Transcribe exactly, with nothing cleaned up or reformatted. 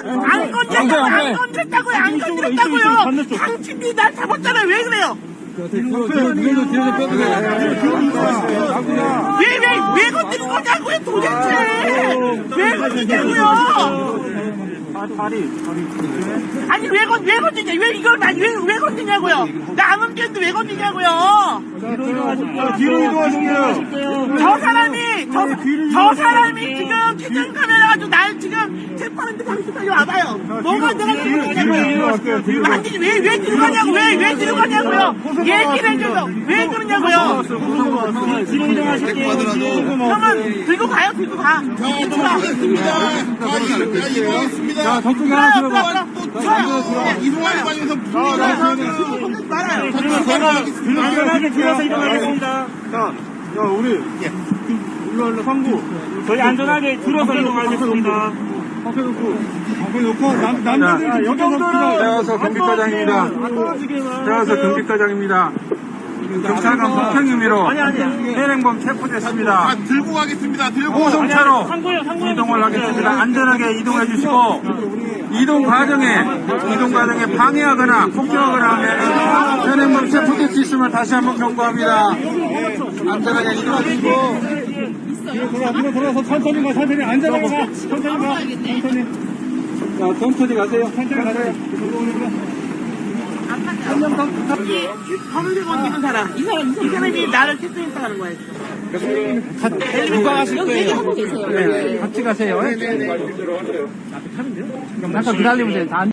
안 건졌다고요. 안 건졌다고요. 안 건졌다고요. 당신이 날 잡았잖아요. 왜 그래요? 왜, 왜, 왜 건드린 거냐고요, 도대체! 왜 건드냐고요! 아니, 왜 건, 왜 건드냐? 왜 이걸, 나, 왜, 왜 건드냐고요? 나 안 건드렸는데 왜 건드냐고요? 뒤로 이동하실게요. 저 사람이, 저, 저 사람이 지금 최전 카메라 가지고 날 지금 체포하는데 당신 빨리 와봐요. 뭐가 내가 뒤로 들어가냐고요? 이동하실게요. 뒤로. 아니, 왜, 왜 들어가냐고, 왜, 왜 들어가냐고요? 얘기를 해줘서 왜 그러냐고요? 뒤로 이동하실게요. 형은 들고 가요, 들고 가. 이게 들어와. 자, 저쪽에 하나 들어요, 들어가. 들어요, 들어요. 이동하지 마시면서 건들지 말아요. 안전하게 들어서 이동하겠습니다. 자, 자, 우리. 일로, 일로, 상구. 저희 안전하게 들어서 이동하겠습니다. 앞에 놓고, 앞에 놓고, 남, 남자들 여경도로. 태워서 경비과장입니다. 태워서 경비과장입니다. 경찰관 폭행 혐의로 현행범 체포됐습니다. 아, 들고 가겠습니다. 들고. 고속차로 이동을 하겠습니다. 안전하게 이동해 주시고 이동 과정에 이동 과정에 방해하거나 폭행하거나 하면 현행범 체포될 수 있음을 다시 한번 경고합니다. 안전하게 이동해 주시고 뒤로 돌아, 뒤로 돌아서 천천히 가, 천천히 안전하게 가. 천천히 가. 천천히. 자, 천천히 가세요. 천천히 가세요. 검은색 옷 입은 사람. 이 사람, 이 사람이 나를 체포했다는 거예요. 누가 가실 거예요? 네, 같이 가세요. 잠깐 기다리면 돼요.